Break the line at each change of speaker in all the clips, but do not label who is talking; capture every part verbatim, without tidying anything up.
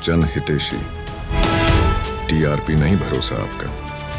जन हितेशी। टीआरपी नहीं भरोसा आपका।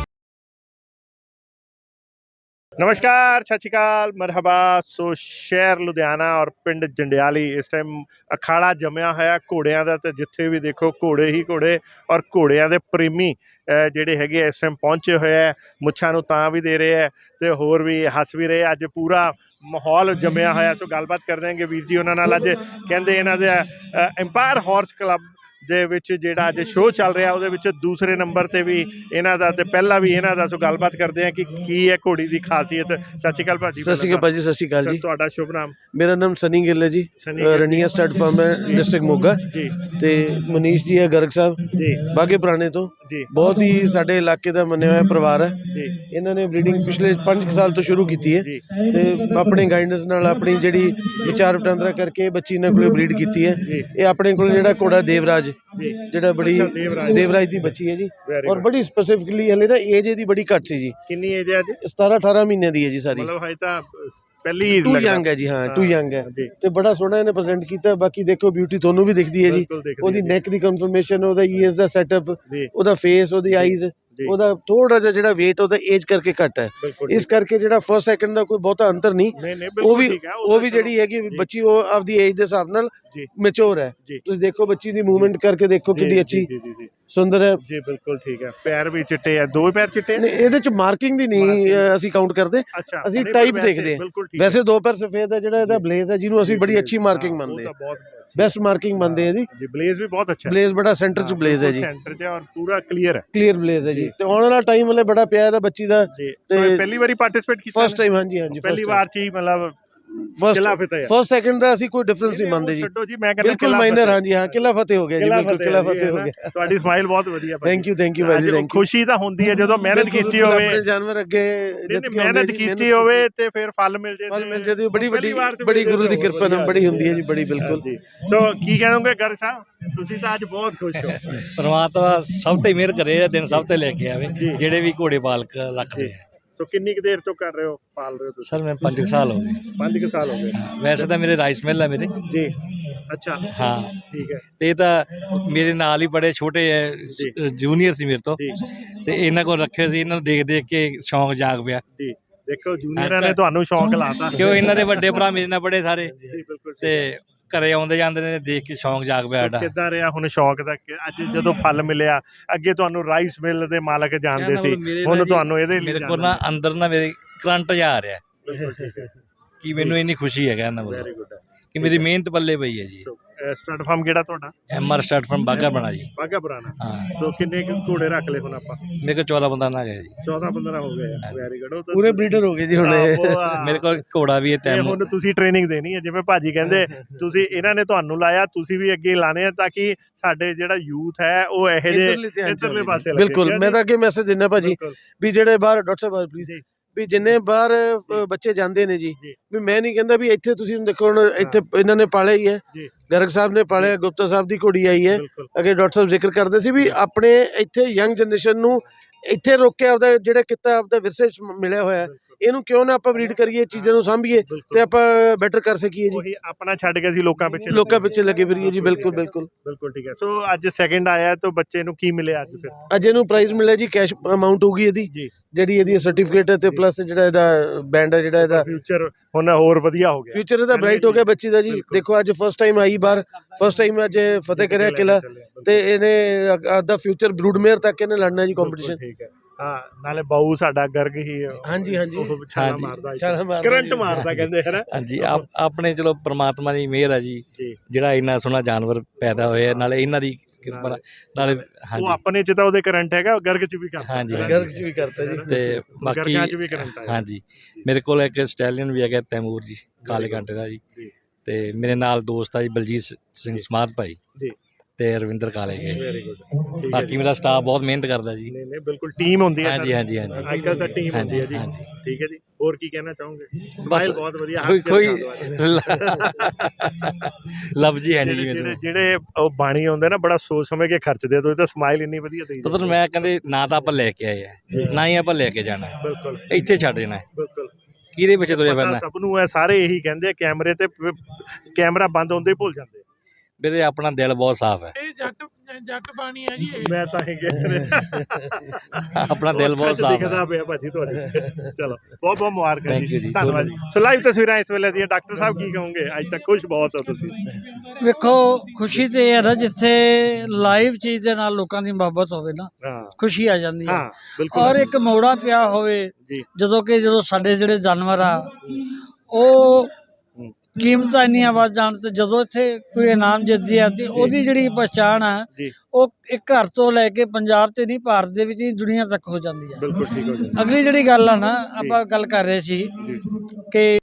नमस्कार, सत श्री अकाल, मरहबा। सो शहर लुधियाना और पिंड जंडियाली इस टाइम अखाड़ा जमिया होया घोड़ियां दा, ते जिथे भी देखो घोड़े ही घोड़े और घोड़ियां दे प्रेमी ਜਿਹੜੇ ਹੈਗੇ ਇਸ ਟਾਈਮ ਪਹੁੰਚੇ ਹੋਏ ਹੈ। ਮੁੱਛਾਂ ਨੂੰ ਤਾਂ ਵੀ ਦੇ ਰਹੇ ਹੈ ਤੇ ਹੋਰ ਵੀ ਹੱਸ ਵੀ ਰਹੇ। ਅੱਜ ਪੂਰਾ ਮਾਹੌਲ ਜੰਮਿਆ ਹੋਇਆ। ਸੋ ਗੱਲਬਾਤ ਕਰਦੇ ਹਾਂਗੇ ਵੀਰ ਜੀ ਉਹਨਾਂ ਨਾਲ। ਅੱਜ ਕਹਿੰਦੇ ਇਹਨਾਂ ਦੇ ਐਮਪਾਇਰ ਹਾਰਸ ਕਲੱਬ ਦੇ ਵਿੱਚ ਜਿਹੜਾ ਅੱਜ ਸ਼ੋਅ ਚੱਲ ਰਿਹਾ ਉਹਦੇ ਵਿੱਚ ਦੂਸਰੇ ਨੰਬਰ ਤੇ ਵੀ ਇਹਨਾਂ ਦਾ ਤੇ ਪਹਿਲਾ ਵੀ ਇਹਨਾਂ ਦਾ। ਸੋ ਗੱਲਬਾਤ ਕਰਦੇ ਹਾਂ ਕਿ ਕੀ ਹੈ ਘੋੜੀ ਦੀ ਖਾਸੀਅਤ। ਸਤਿ ਸ਼੍ਰੀ ਅਕਾਲ ਭਾਜੀ।
ਸਤਿ ਸ਼੍ਰੀ ਅਕਾਲ ਭਾਜੀ। ਸਤਿ ਸ਼੍ਰੀ ਅਕਾਲ ਜੀ।
ਤੁਹਾਡਾ ਸ਼ੁਭ ਨਾਮ?
ਮੇਰਾ ਨਾਮ ਸਨੀ ਗਿੱਲ ਹੈ ਜੀ। ਰਣੀਆ ਸਟੱਡ ਫਾਰਮ ਹੈ ਡਿਸਟ੍ਰਿਕਟ ਮੋਗਾ
ਜੀ।
ਤੇ ਮਨੀਸ਼ ਜੀ ਹੈ ਗਰਗ ਸਾਹਿਬ
ਜੀ
ਬਾਗੇ ਪੁਰਾਣੇ ਤੋਂ।
ਜੀ
ਬਹੁਤ ਹੀ ਸਾਡੇ ਇਲਾਕੇ ਦਾ ਮੰਨਿਆ ਹੋਇਆ ਪਰਿਵਾਰ ਹੈ।
ਜੀ
ਇਹਨਾਂ ਨੇ ਬਰੀਡਿੰਗ ਪਿਛਲੇ ਪੰਜ ਸਾਲ ਤੋਂ ਸ਼ੁਰੂ ਕੀਤੀ ਹੈ
ਜੀ
ਤੇ ਆਪਣੇ ਗਾਈਡੈਂਸ ਨਾਲ ਆਪਣੀ ਜਿਹੜੀ ਵਿਚਾਰ ਵਟਾਂਦਰਾ ਕਰਕੇ ਬੱਚੀ ਇਹਨਾਂ ਕੋਲੇ ਬਰੀਡ ਕੀਤੀ ਹੈ।
ਜੀ
ਇਹ ਆਪਣੇ ਕੋਲ ਜਿਹੜਾ ਘੋੜਾ ਦੇਵਰਾਜ
ਜੀ
ਜਿਹੜਾ ਬੜੀ
ਦੇਵਰਾਜ।
ਦੇਵਰਾਜ ਦੀ ਬੱਚੀ ਹੈ ਜੀ।
Very
ਔਰ
good।
ਬੜੀ ਸਪੈਸੀਫਿਕਲੀ ਹਲੇ ਨਾ ਏਜ ਇਹਦੀ ਬੜੀ ਘੱਟ ਸੀ ਜੀ।
ਕਿੰਨੀ ਏਜ ਹੈ ਅੱਜ?
ਸਤਾਰਾਂ ਅਠਾਰਾਂ ਮਹੀਨੇ ਦੀ ਹੈ ਜੀ ਸਾਰੀ।
ਮਤਲਬ ਹਜੇ ਤਾਂ ਪਹਿਲੀ
ਟੂ ਯੰਗ ਹੈ ਜੀ। ਹਾਂ ਟੂ ਯੰਗ ਹੈ
ਜੀ।
ਤੇ ਬੜਾ ਸੋਹਣਾ ਇਹਨੇ ਪ੍ਰੈਜ਼ੈਂਟ ਕੀਤਾ। ਬਾਕੀ ਦੇਖੋ ਬਿਊਟੀ ਤੁਹਾਨੂੰ ਵੀ ਦਿਖਦੀ ਹੈ ਜੀ।
ਬਿਲਕੁਲ ਦਿਖਦੀ
ਉਹਦੀ
ਹੈ ਜੀ।
ਨੈਕ ਦੀ ਕਨਫਰਮੇਸ਼ਨ, ਉਹਦਾ ਈਅਰਸ ਦਾ ਸੈਟਅਪ,
ਜੀ
ਉਹਦਾ ਫੇਸ, ਉਹਦੀ ਆਈਜ਼,
ਜੀ।
ਉਹਦਾ ਥੋੜਾ ਜਿਹਾ ਜਿਹੜਾ weight ਉਹਦਾ ਏਜ ਕਰਕੇ ਘੱਟ ਹੈ।
ਬਿਲਕੁਲ
ਇਸ ਕਰਕੇ ਜਿਹੜਾ ਫਰਸਟ ਸੈਕਿੰਡ ਦਾ ਕੋਈ ਬਹੁਤਾ ਅੰਤਰ ਨਹੀਂ।
ਨਹੀਂ ਨਹੀਂ
ਉਹ
ਬਿਲਕੁਲ
ਵੀ
ਠੀਕ ਹੈ।
ਉਹ ਵੀ ਜਿਹੜੀ ਹੈਗੀ ਬੱਚੀ ਉਹ ਆਪਦੀ ਏਜ ਦੇ ਹਿਸਾਬ ਨਾਲ
ਜੀ
ਮੈਚੁਰ ਹੈ।
ਜੀ
ਤੁਸੀਂ ਦੇਖੋ ਬੱਚੀ ਦੀ ਮੂਵਮੈਂਟ ਕਰਕੇ ਦੇਖੋ
ਜੀ,
ਕਿੰਨੀ
ਜੀ,
ਅੱਛੀ
ਜੀ ਜੀ ਜੀ
ਸੁੰਦਰ ਹੈ।
ਜੀ ਬਿਲਕੁਲ ਠੀਕ ਹੈ। ਪੈਰ ਵੀ ਚਿੱਟੇ ਆ, ਦੋ ਪੈਰ ਚਿੱਟੇ ਆ?
ਨਹੀਂ ਇਹਦੇ ਚ ਮਾਰਕਿੰਗ ਦੀ ਨਹੀਂ ਅ, ਅਸੀਂ ਕਾਊਂਟ ਕਰਦੇ।
ਅੱਛਾ
ਅਸੀਂ
ਨਹੀਂ,
type
ਪਰ ਵੈਸੇ
ਦੇਖਦੇ ਹਾਂ।
ਬਿਲਕੁਲ ਠੀਕ
ਵੈਸੇ ਦੋ ਪੈਰ ਸਫੇਦ ਹੈ ਜਿਹੜਾ ਇਹਦਾ ਬਲੇਜ਼ ਹੈ ਜਿਹਨੂੰ ਅਸੀਂ ਬੜੀ ਅੱਛੀ ਮਾਰਕਿੰਗ
ਹਾਂ, ਉਹ
ਮੰਨਦੇ
ਤਾਂ
ਹਾਂ।
ਬਹੁਤ
ਬੈਸਟ ਮਾਰਕਿੰਗ ਮੰਨਦੇ ਆ ਜੀ।
ਜੀ ਬਲੇਜ਼ ਵੀ ਬਹੁਤ ਅੱਛਾ ਹੈ।
ਬਲੇਜ਼ ਬੜਾ ਸੈਂਟਰ ਚ ਬਲੇਜ਼ ਹੈ ਜੀ।
ਸੈਂਟਰ 'ਚ ਔਰ ਪੂਰਾ ਕਲੀਅਰ ਹੈ।
ਕਲੀਅਰ ਬਲੇਜ਼ ਹੈ ਜੀ।
ਜੀ।
ਤੇ ਆਉਣ ਵਾਲਾ ਟਾਈਮ ਵਾਲੇ ਬੜਾ ਪਿਆ ਇਹਦਾ ਬੱਚੀ ਦਾ।
ਜੀ
ਤੇ
ਸੋ ਇਹ ਪਹਿਲੀ ਵਾਰੀ ਪਾਰਟਿਸਿਪੇਟ ਕੀਤਾ?
First time. ਹਾਂਜੀ ਹਾਂਜੀ
ਪਹਿਲੀ ਵਾਰ 'ਚ ਹੀ ਮਤਲਬ
ਫਸਟ
ਕਿਲਾ ਫਤਿਹ ਹੈ।
ਫਸਟ ਸੈਕਿੰਡ ਦਾ ਅਸੀਂ ਕੋਈ ਡਿਫਰੈਂਸ ਨਹੀਂ ਮੰਨਦੇ ਜੀ।
ਛੱਡੋ ਜੀ, ਮੈਂ ਕਹਿੰਦਾ
ਬਿਲਕੁਲ ਮਾਈਨਰ। ਹਾਂਜੀ ਹਾਂ ਕਿਲਾ ਫਤਿਹ ਹੋ ਗਿਆ ਜੀ। ਬਿਲਕੁਲ ਕਿਲਾ ਫਤਿਹ ਹੋ ਗਿਆ।
ਤੁਹਾਡੀ ਸਮਾਈਲ ਬਹੁਤ ਵਧੀਆ।
ਥੈਂਕ ਯੂ ਥੈਂਕ ਯੂ ਭਾਈ ਜੀ। Thank you.
ਖੁਸ਼ੀ ਤਾਂ ਹੁੰਦੀ ਹੈ ਜਦੋਂ ਮਿਹਨਤ ਕੀਤੀ ਹੋਵੇ।
ਆਪਣੇ ਜਾਨਵਰ ਅੱਗੇ ਜਿੱਤ ਕੇ
ਮਿਹਨਤ ਕੀਤੀ ਹੋਵੇ ਤੇ ਫਿਰ ਫਲ ਮਿਲ ਜੇ।
ਫਲ ਮਿਲ ਜਾਂਦੀ ਬੜੀ ਵੱਡੀ ਬੜੀ ਗੁਰੂ ਦੀ ਕਿਰਪਾ ਨਾਲ ਬੜੀ ਹੁੰਦੀ ਹੈ ਜੀ। ਬੜੀ ਬਿਲਕੁਲ।
ਸੋ ਕੀ ਕਹੋਗੇ ਗਰ ਸਾਹਿਬ, ਤੁਸੀਂ ਤਾਂ ਅੱਜ ਬਹੁਤ ਖੁਸ਼ ਹੋ।
ਪਰਮਾਤਮਾ ਸਭ ਤੇ ਮਿਹਰ ਕਰੇ ਇਹ ਦਿਨ ਸਭ ਤੇ ਲੈ ਕੇ ਆਵੇ ਜਿਹੜੇ ਵੀ ਘੋੜੇ ਪਾਲਕ ਰੱਖਦੇ ਆ।
ਸੋ ਕਿੰਨੀ ਕੁ ਦੇਰ ਤੋਂ ਕਰ ਰਹੇ ਹੋ, ਪਾਲ ਰਹੇ ਹੋ ਤੁਸੀਂ?
ਸਰ ਮੈਂ ਪੰਜ ਸਾਲ ਹੋ ਗਏ।
ਪੰਜ ਕੁ ਸਾਲ ਹੋ ਗਏ।
ਵੈਸੇ ਤਾਂ ਮੇਰੇ ਰਾਈਸ ਮਿਲ ਹੈ ਮੇਰੇ।
ਜੀ ਅੱਛਾ
ਹਾਂ
ਠੀਕ ਹੈ।
ਤੇ ਇਹ ਤਾਂ ਮੇਰੇ ਨਾਲ ਹੀ ਬੜੇ ਛੋਟੇ ਹੈ, ਜੂਨੀਅਰ ਸੀ ਮੇਰੇ ਤੋਂ।
ਜੀ
ਤੇ ਇਹਨਾਂ ਕੋਲ ਰੱਖੇ ਸੀ। ਇਹਨਾਂ ਨੂੰ ਦੇਖ ਦੇਖ ਕੇ ਸ਼ੌਂਕ ਜਾਗ ਪਿਆ।
ਜੀ ਦੇਖੋ ਜੂਨੀਅਰਾਂ ਨੇ ਤੁਹਾਨੂੰ ਸ਼ੌਂਕ ਲਾਤਾ।
ਕਿਉਂ ਇਹਨਾਂ ਦੇ ਵੱਡੇ ਭਰਾ ਮੇਰੇ ਨਾਲ ਬੜੇ ਸਾਰੇ
ਜੀ ਬਿਲਕੁਲ।
ਤੇ ਘਰੇ ਆਉਂਦੇ ਜਾਂਦੇ ਨੇ, ਦੇਖ ਕੇ ਸ਼ੌਂਕ ਜਾਗ ਪਿਆ ਸਾਡਾ।
ਕਿੱਦਾਂ ਰਿਹਾ ਹੁਣ ਸ਼ੌਂਕ ਦਾ? ਅੱਜ ਜਦੋਂ ਫਲ ਮਿਲਿਆ, ਅੱਗੇ ਤੁਹਾਨੂੰ ਰਾਈਸ ਮਿਲ ਦੇ ਮਾਲਕ ਜਾਣਦੇ ਸੀ, ਹੁਣ ਤੁਹਾਨੂੰ ਇਹਦੇ ਲਈ
ਮੇਰੇ ਕੋਲ ਨਾ ਅੰਦਰ ਨਾ ਮੇਰੇ ਕਰੰਟ ਜਾ ਰਿਹਾ
ਠੀਕ ਹੈ
ਕਿ ਮੈਨੂੰ ਇੰਨੀ ਖੁਸ਼ੀ ਹੈ ਕਹਿੰਦਾ
ਵੈਰੀ
ਮਤਲਬ
ਗੁੱਡ।
ਕਿ ਮੇਰੀ ਮਿਹਨਤ ਪੱਲੇ ਪਈ ਹੈ ਜੀ।
ਸਟਾਰਟ ਫਾਰਮ ਕਿਹੜਾ ਤੁਹਾਡਾ?
ਐਮ ਆਰ ਸਟਾਰਟ ਫਰਮ ਬਾਗਾ ਬਣਾ ਜੀ।
ਬਾਗਾ ਪੁਰਾਣਾ।
ਹਾਂ
ਸੋ ਕਿੰਨੇ ਕੁ ਘੋੜੇ ਰੱਖ ਲਏ ਹੁਣ ਆਪਾਂ?
ਮੇਰੇ ਕੋਲ ਚੌਦਾਂ ਬੰਦਾ ਨਾ ਗਿਆ ਜੀ।
ਚੌਦਾਂ ਪੰਦਰਾਂ ਹੋ ਗਏ। Very good.
ਪੂਰੇ ਬਰੀਡਰ ਹੋ ਗਏ ਜੀ ਹੁਣ ਇਹ।
ਮੇਰੇ ਕੋਲ ਘੋੜਾ ਵੀ ਹੈ
ਤੇ
ਤੈਮੂਰ।
ਹੁਣ ਤੁਸੀਂ ਟ੍ਰੇਨਿੰਗ ਦੇਣੀ ਹੈ, ਜਿਵੇਂ ਭਾਜੀ ਕਹਿੰਦੇ ਤੁਸੀਂ ਇਹਨਾਂ ਨੇ ਤੁਹਾਨੂੰ ਲਾਇਆ, ਤੁਸੀਂ ਵੀ ਅੱਗੇ ਲਾਣੇ ਆ ਤਾਂ ਕਿ ਸਾਡੇ ਜਿਹੜਾ ਯੂਥ ਹੈ ਉਹ ਇਹੋ ਜਿਹੇ ਇੱਧਰਲੇ ਪਾਸੇ ਲੱਗੇ।
ਬਿਲਕੁਲ। ਮੈਂ ਤਾਂ ਅੱਗੇ ਮੈਸੇਜ ਦਿੰਦਾ ਭਾਜੀ ਵੀ ਜਿਹੜੇ ਬਾਹਰ ਡਾਕਟਰ ਸਾਹਿਬ ਪਲੀਜ਼ ਵੀ ਜਿੰਨੇ ਬਾਹਰ ਅ, ਬੱਚੇ ਜਾਂਦੇ ਨੇ ਜੀ, ਵੀ ਮੈਂ ਨਹੀਂ ਕਹਿੰਦਾ ਵੀ ਇੱਥੇ ਤੁਸੀਂ ਦੇਖੋ ਹੁਣ ਇੱਥੇ ਇਹਨਾਂ ਨੇ ਪਾਲਿਆ ਹੀ ਹੈ। ਗਰਗ ਸਾਹਿਬ ਨੇ ਪਾਲਿਆ, ਗੁਪਤਾ ਸਾਹਿਬ ਦੀ ਕੁੜੀ ਆਈ ਹੈ। ਅੱਗੇ ਡਾਕਟਰ ਸਾਹਿਬ ਜ਼ਿਕਰ ਕਰਦੇ ਸੀ ਵੀ ਆਪਣੇ ਇੱਥੇ ਯੰਗ ਜਨਰੇਸ਼ਨ ਨੂੰ ਇੱਥੇ ਰੋਕ ਕੇ ਆਪਦਾ ਜਿਹੜਾ ਕਿੱਤਾ ਆਪਦਾ ਵਿਰਸੇ ਚ ਮਿਲਿਆ ਹੋਇਆ ਇਹਨੂੰ ਕਿਉਂ ਨਾ ਆਪਾਂ ਬਰੀਡ ਕਰੀਏ, ਚੀਜ਼ਾਂ ਨੂੰ ਸਾਂਭੀਏ ਤੇ ਆਪਾਂ ਬੈਟਰ ਕਰ ਸਕੀਏ ਜੀ।
ਆਪਣਾ ਛੱਡ ਕੇ ਅਸੀਂ ਲੋਕਾਂ ਪਿੱਛੇ
ਲੋਕਾਂ ਪਿੱਛੇ ਲੱਗੇ ਫਿਰੀਏ ਜੀ। ਬਿਲਕੁਲ ਬਿਲਕੁਲ
ਬਿਲਕੁਲ ਠੀਕ ਹੈ। ਸੋ ਅੱਜ ਸੈਕਿੰਡ ਆਇਆ ਤਾਂ ਬੱਚੇ ਨੂੰ ਕੀ ਮਿਲਿਆ ਅੱਜ ਫਿਰ?
ਅੱਜ ਇਹਨੂੰ ਪ੍ਰਾਈਜ਼ ਮਿਲਿਆ ਜੀ, ਕੈਸ਼ ਅਮਾਉਂਟ ਹੋਊਗੀ ਇਹਦੀ ਜਿਹੜੀ ਇਹਦੀ ਸਰਟੀਫਿਕੇਟ ਹੈ ਤੇ ਪਲੱਸ ਜਿਹੜਾ ਇਹਦਾ ਬੈਂਡ ਹੈ ਜਿਹੜਾ ਇਹਦਾ
ਫਿਊਚਰ ਹੁਣ ਹੋਰ ਵਧੀਆ ਹੋ ਗਿਆ।
ਫਿਊਚਰ ਇਹਦਾ ਬ੍ਰਾਈਟ ਹੋ ਗਿਆ ਬੱਚੀ ਦਾ ਜੀ। ਦੇਖੋ ਅੱਜ ਫਸਟ ਟਾਈਮ ਆਈ ਬਾਹਰ, ਫਸਟ ਟਾਈਮ ਅੱਜ ਫਤਿਹ ਕਰਿਆ ਕਿਲਾ ਤੇ ਇਹਨੇ ਆਪਦਾ ਫਿਊਚਰ ਬਰੂਡਮੇਅਰ ਤੱਕ ਇਹਨੇ ਲੜਨਾ ਜੀ ਕੰਪੀਟੀਸ਼ਨ।
ਠੀਕ ਹੈ। ਹਾਂ ਨਾਲੇ ਬਾਊ ਸਾਡਾ ਗਰਗ ਹੀ
ਹਾਂਜੀ ਹਾਂਜੀ
ਛਾਲਾ ਮਾਰਦਾ
ਛਾਲਾ ਮਾਰਦਾ
ਕਰੰਟ ਮਾਰਦਾ ਕਹਿੰਦੇ ਹੈ ਨਾ।
ਹਾਂਜੀ ਆਪਣੇ ਚਲੋ ਪ੍ਰਮਾਤਮਾ ਦੀ ਮਿਹਰ ਹੈ ਜੀ ਜਿਹੜਾ ਇੰਨਾ ਸੋਹਣਾ ਜਾਨਵਰ ਪੈਦਾ ਹੋਇਆ, ਨਾਲੇ ਇਹਨਾਂ ਦੀ ਕਿਰਪਾ ਨਾਲੇ।
ਉਹ ਆਪਣੇ ਚ ਤਾਂ ਉਹਦੇ ਕਰੰਟ ਹੈਗਾ, ਗਰਗ ਚ ਵੀ ਕਰਦਾ।
ਹਾਂਜੀ
ਗਰਗ ਚ ਵੀ ਕਰਤਾ ਜੀ
ਤੇ ਬਾਕੀ ਹਾਂਜੀ ਮੇਰੇ ਕੋਲ ਇੱਕ ਸਟੈਲੀਅਨ ਵੀ ਹੈਗਾ ਤੈਮੂਰ ਜੀ, ਕਾਲੇ ਕਾਂਟੇ ਦਾ ਜੀ। ਤੇ ਮੇਰੇ ਨਾਲ ਦੋਸਤ ਆ ਜੀ ਬਲਜੀਤ ਸਿੰਘ ਸਮਾਧ ਭਾਈ ਤੇ ਰਵਿੰਦਰ ਕਾਲੇ ਗਏ। ਬਾਕੀ ਮੇਰਾ ਸਟਾਫ ਬਹੁਤ ਮਿਹਨਤ ਕਰਦਾ ਜੀ।
ਨਹੀਂ ਨਹੀਂ ਬਿਲਕੁਲ ਟੀਮ ਹੁੰਦੀ ਹੈ।
ਹਾਂਜੀ ਹਾਂਜੀ ਹਾਂਜੀ
ਅੱਜ ਕੱਲ੍ਹ ਤਾਂ ਟੀਮ ਹੁੰਦੀ ਹੈ ਜੀ।
ਹਾਂਜੀ
ਠੀਕ ਹੈ ਜੀ। ਹੋਰ ਕੀ ਕਹਿਣਾ ਚਾਹੋਗੇ?
ਬਸ
ਬਹੁਤ ਵਧੀਆ।
ਕੋਈ ਕੋਈ ਲਫ਼ਜ਼ ਹੀ ਹੈ ਨਹੀਂ ਜੀ ਮੈਨੂੰ।
ਜਿਹੜੇ ਉਹ ਬਾਣੀ ਆਉਂਦੇ ਨਾ ਬੜਾ ਸੋਚ ਸਮਝ ਕੇ ਖਰਚਦੇ, ਤੁਸੀਂ ਤਾਂ ਸਮਾਈਲ ਇੰਨੀ ਵਧੀਆ ਦੇਈ।
ਮਤਲਬ ਮੈਂ ਕਹਿੰਦੇ ਨਾ ਤਾਂ ਆਪਾਂ ਲੈ ਕੇ ਆਏ ਆ, ਨਾ ਹੀ ਆਪਾਂ ਲੈ ਕੇ ਜਾਣਾ।
ਬਿਲਕੁਲ
ਇੱਥੇ ਛੱਡ ਜਾਣਾ।
ਬਿਲਕੁਲ
ਕਿਹਦੇ ਪਿੱਛੇ ਤੁਰੇ ਫਿਰਨਾ?
ਸਭ ਨੂੰ ਇਹ ਸਾਰੇ ਇਹੀ ਕਹਿੰਦੇ ਕੈਮਰੇ ਤੇ ਕੈਮਰਾ ਬੰਦ ਹੁੰਦੇ ਹੀ ਭੁੱਲ ਜਾਂਦੇ।
ਵੀਰੇ ਆਪਣਾ ਦਿਲ ਬਹੁਤ ਸਾਫ਼ ਹੈ।
ਇਹ ਜੱਟ
ਜੱਟ ਪਾਣੀ ਹੈ ਜੀ
ਮੈਂ ਤਾਂ ਹੀ ਗਿਆ
ਆਪਣਾ ਦਿਲ ਬਹੁਤ ਸਾਫ਼
ਦਿਖਦਾ
ਹੈ।
ਪਿਆ ਭਾਜੀ ਤੁਹਾਡੇ ਚਲੋ ਬਹੁਤ ਬਹੁਤ ਮੁਬਾਰਕਾਂ
Thank you
ਜੀ
ਜੀ,
ਧੰਨਵਾਦ ਜੀ ਸੋ ਲਾਈਵ ਤਸਵੀਰਾਂ ਇਸ ਵੇਲੇ ਦੀਆਂ ਡਾਕਟਰ ਸਾਹਿਬ ਕੀ ਕਹੋਗੇ ਅੱਜ ਤੱਕ ਖੁਸ਼ ਬਹੁਤ ਹੋ ਤੁਸੀਂ
ਵੇਖੋ ਖੁਸ਼ੀ ਤੇ ਇਹ ਹੈ ਨਾ ਜਿੱਥੇ ਲਾਈਵ ਚੀਜ਼ ਦੇ ਨਾਲ ਲੋਕਾਂ ਦੀ ਮੁਹੱਬਤ ਹੋਵੇ ਨਾ
ਹਾਂ
ਖੁਸ਼ੀ ਆ ਜਾਂਦੀ ਹੈ
ਹਾਂ ਬਿਲਕੁਲ
ਔਰ ਇੱਕ ਮੋੜਾ ਪਿਆ ਹੋਵੇ
ਜੀ
ਜਦੋਂ ਕਿ ਜਦੋਂ ਸਾਡੇ ਜਿਹੜੇ ਜਾਨਵਰ ਆ ਉਹ ਕੀਮਤਾਂ ਇੰਨੀਆਂ ਵੱਧ ਜਾਣ ਤੇ ਜਦੋਂ ਇੱਥੇ ਕੋਈ ਇਨਾਮ ਜਿੱਤਦੀ ਆ ਤੇ ਉਹਦੀ ਜਿਹੜੀ ਪਛਾਣ ਆ
ਜੀ
ਉਹ ਇੱਕ ਘਰ ਤੋਂ ਲੈ ਕੇ ਪੰਜਾਬ ਤੇ ਨਹੀਂ ਭਾਰਤ ਦੇ ਵਿੱਚ ਹੀ ਦੁਨੀਆ ਤੱਕ ਹੋ ਜਾਂਦੀ ਆ।
ਬਿਲਕੁਲ ਠੀਕ ਹੋ ਜੀ
ਅਗਲੀ ਜਿਹੜੀ ਗੱਲ ਆ ਨਾ ਆਪਾਂ ਗੱਲ ਕਰ ਰਹੇ ਸੀ ਕਿ